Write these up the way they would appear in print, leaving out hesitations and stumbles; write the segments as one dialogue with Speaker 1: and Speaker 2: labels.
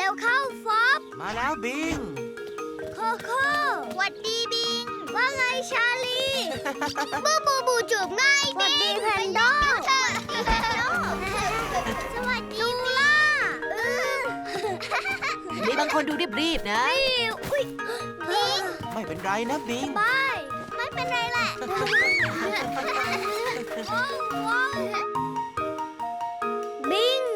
Speaker 1: วเข้าฟอบ
Speaker 2: มาแล้วบิง
Speaker 1: โคโค่หวัดดีบิง ว่าไงชาลี บูบูบูจูบง่ายดิหวัดดีแพนโดสวัสดีจูล่า
Speaker 3: มีบางคนดูรีบๆนะ
Speaker 1: อุ้ยบิง
Speaker 2: ไม่เป็นไรนะบิง
Speaker 1: บายไม่เป็นไรแหละบิง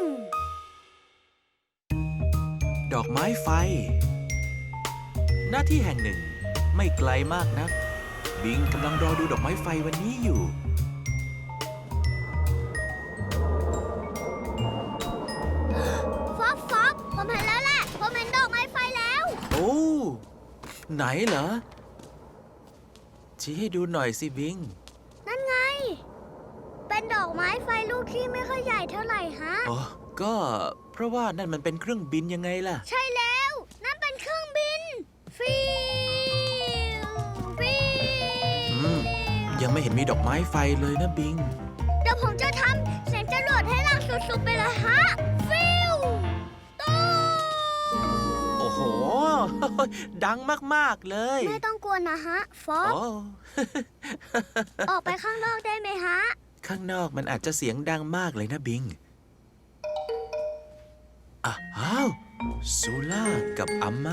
Speaker 2: ดอกไม้ไฟ หน้าที่แห่งหนึ่งไม่ไกลมากนัก บิงกำลังรอดูดอกไม้ไฟวันนี้อยู่
Speaker 1: ฟอบฟอบผมเห็นแล้วแหละผมเห็นดอกไม้ไฟแล้ว
Speaker 2: โอ้ ไหนเหรอ ชี้ให้ดูหน่อยสิบิง
Speaker 1: นั่นไง เป็นดอกไม้ไฟลูกที่ไม่ค่อยใหญ่เท่าไหร่ฮะ
Speaker 2: อ๋อ ก็เพราะว่านั่นมันเป็นเครื่องบินยังไงล่ะ
Speaker 1: ใช่แล้ว นั่นเป็นเครื่องบิน ฟิวฟิว
Speaker 2: ยังไม่เห็นมีดอกไม้ไฟเลยนะบิง
Speaker 1: เดี๋ยวผมจะทำเสียงจรวดให้ดังสุดๆไปเลยฮะ ฟิวตู้
Speaker 2: โอ้โห ดังมากๆเลย
Speaker 1: ไม่ต้องกลัวนะฮะ ฟอบ
Speaker 2: โอ้
Speaker 1: ออกไปข้างนอกได้ไหมฮะ
Speaker 2: ข้างนอกมันอาจจะเสียงดังมากเลยนะบิง อ้าวซูล่ากับอัมมา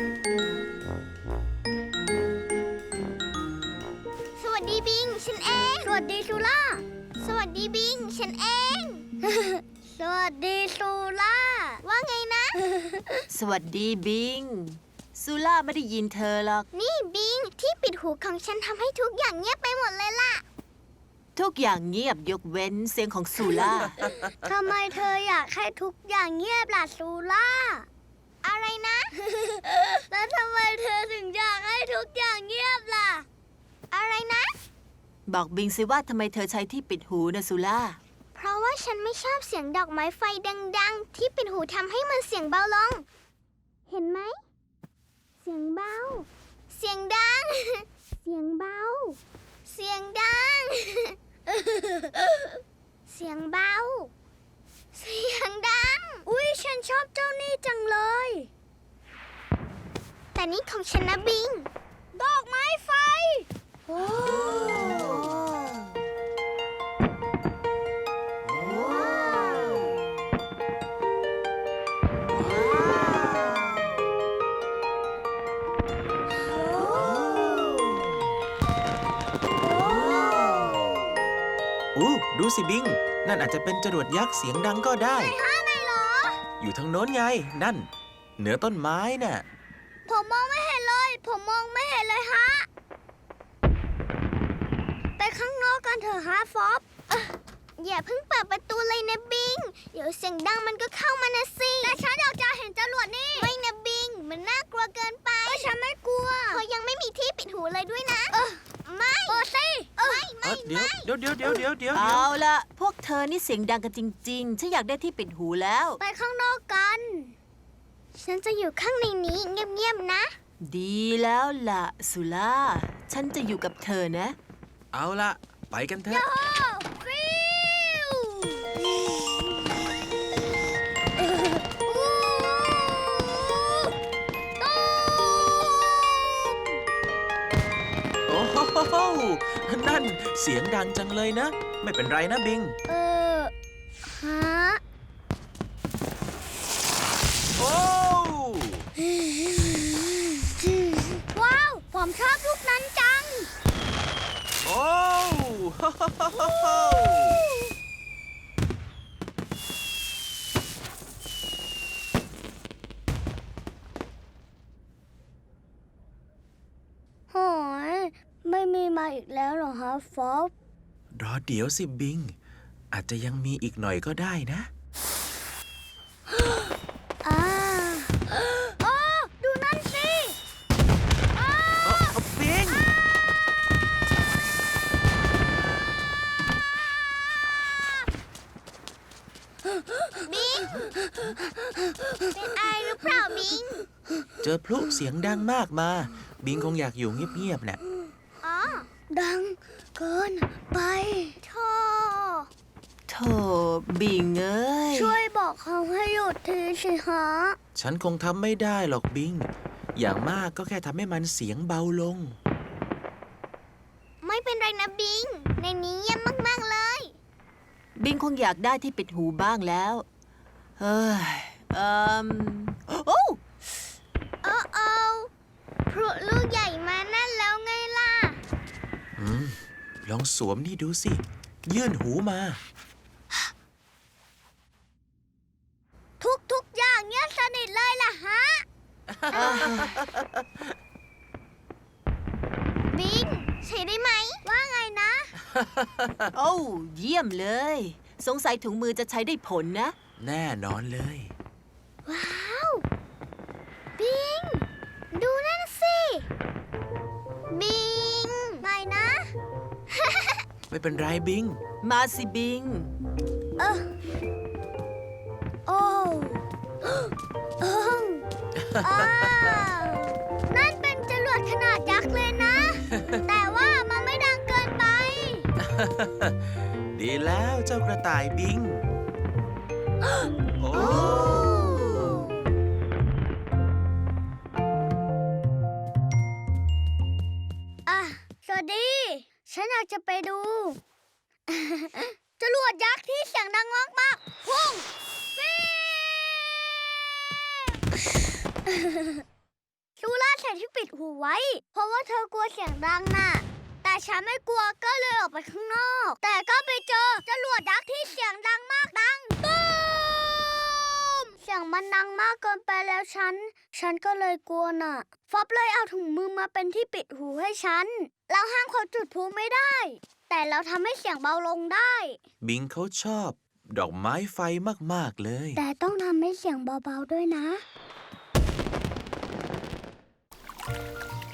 Speaker 1: สวัสดีบิง ฉันเอง สวัสดีซูล่า สวัสดีบิง ฉันเอง สวัสดีซูล่า ว่าไงนะ
Speaker 3: สวัสดีบิงซูล่าไม่ได้ยินเธอหรอก
Speaker 1: นี่บิง ที่ปิดหูของฉันทำให้ทุกอย่างเงียบไปหมดเลยล่ะ
Speaker 3: ทุกอย่างเงียบยกเว้นเสียงของซูล่า
Speaker 1: ทำไมเธออยากให้ทุกอย่างเงียบล่ะซูล่า อะไรนะ แล้วทำไมเธอถึงอยากให้ทุกอย่างเงียบล่ะ อะไรนะ
Speaker 3: บอกบิงสิว่าทำไมเธอใช้ที่ปิดหูนะซูล่า
Speaker 1: เพราะว่าฉันไม่ชอบเสียงดอกไม้ไฟดังๆ ที่ปิดหูทำให้มันเสียงเบาลง เห็นไหม เสียงเบา เสียงดัง เสียงเบา เสียงดัง เสียงเบา เสียงดัง อุ๊ย ฉันชอบเจ้านี่จังเลย แต่นี่ของฉันนะบิง ดอกไม้ไฟ โอ้
Speaker 2: ดูสิบิง นั่นอาจจะเป็นจรวดยักษ์เสียงดังก็ได้
Speaker 1: ไหนเหรอ
Speaker 2: อยู่ทางโน้นไง นั่น เหนือต้นไม้น่ะ
Speaker 1: ผมมองไม่เห็นเลย ผมมองไม่เห็นเลยฮะ ไปข้างนอกกันเถอะฮะฟอบอย่าเพิ่งเปิดประตูเลยนะบิง เดี๋ยวเสียงดังมันก็เข้ามานะสิ แต่ฉันอยากจะเห็นจรวดนี่ ไม่นะบิง มันน่ากลัวเกินไปก็ฉันไม่กลัวเธอยังไม่มีที่ปิดหูเลยด้วยนะ ไม่เปิดสิไม่
Speaker 2: เดี๋ยว
Speaker 3: เอาละพวกเธอนี่เสียงดังกันจริงๆ ฉันอยากได้ที่ปิดหูแล้ว
Speaker 1: ไปข้างนอกกัน ฉันจะอยู่ข้างในนี้เงียบๆนะ
Speaker 3: ดีแล้วล่ะซูล่า ฉันจะอยู่กับเธอนะ
Speaker 2: เอาละไปกันเถอะ
Speaker 1: ฟิว
Speaker 2: โอ้โหนั่นเสียงดังจังเลยนะ ไม่เป็นไรนะบิง
Speaker 1: ฮะ
Speaker 2: โอ้
Speaker 1: ว้าว ผมชอบลูกนั้นจัง
Speaker 2: โอ้
Speaker 1: โหยไม่มีมาอีกแล้วเหรอฮะฟอบ
Speaker 2: รอเดี๋ยวสิบิง อาจจะยังมีอีกหน่อยก็ได้นะ
Speaker 1: อ่าโอ้ดูนั่นสิอ้า
Speaker 2: บิง
Speaker 1: บิง เป็นไอหรือเปล่าบิง
Speaker 2: เจอพลุเสียงดังมากมา บิงคงอยากอยู่เงียบๆน่ะ
Speaker 1: อ๋อ ดังเกินไปโธ่
Speaker 3: โธบิงเอ้ย
Speaker 1: ช่วยบอกเขาให้หยุดทีสิฮะ
Speaker 2: ฉันคงทำไม่ได้หรอกบิง อย่างมากก็แค่ทำให้มันเสียงเบาลง
Speaker 1: ไม่เป็นไรนะบิง ในนี้เยี่ยมมากๆเลย
Speaker 3: บิงคงอยากได้ที่ปิดหูบ้างแล้ว เฮ้ยโอ้
Speaker 1: โอ้โอ้พลุลูกใหญ่มานั่นแล้วไงล่ะ
Speaker 2: ลองสวมนี่ดูสิ ยื่นหูมา
Speaker 1: ทุกอย่างเงียบสนิทเลยล่ะฮะ บิง ใช้ได้ไหม ว่าไงนะ
Speaker 3: โอ้เยี่ยมเลย สงสัยถุงมือจะใช้ได้ผลนะ
Speaker 2: แน่นอนเลย
Speaker 1: ว้าว บิง ดูนั่นสิ บิงไม่นะ
Speaker 2: ไม่เป็นไรบิง
Speaker 3: มาสิบิง
Speaker 1: เออโอ้โอ้อ้าวนั่นเป็นจรวดขนาดยักษ์เลยนะ แต่ว่ามันไม่ดังเกินไป
Speaker 2: ดีแล้วเจ้ากระต่ายบิง โอ้
Speaker 1: อ่ะ สวัสดี ฉันอยากจะไปดู จรวดยักษ์ที่เสียงดังมากๆพุ่งฟิซูล่าใส่ที่ปิดหูไว้ เพราะว่าเธอกลัวเสียงดังน่ะ แต่ฉันไม่กลัวก็เลยออกไปข้างนอก แต่ก็ไปเจอจรวดยักษ์ที่เสียงดังมากดังตูมเสียงมันดังมากเกินไปแล้วฉันก็เลยกลัวน่ะ ฟอบเลยเอาถุงมือมาเป็นที่ปิดหูให้ฉัน เราห้ามเขาจุดพลุไม่ได้ แต่เราทำให้เสียงเบาลงได้
Speaker 2: บิงเขาชอบ ดอกไม้ไฟมากๆเลย
Speaker 1: แต่ต้องทำให้เสียงเบาๆด้วยนะ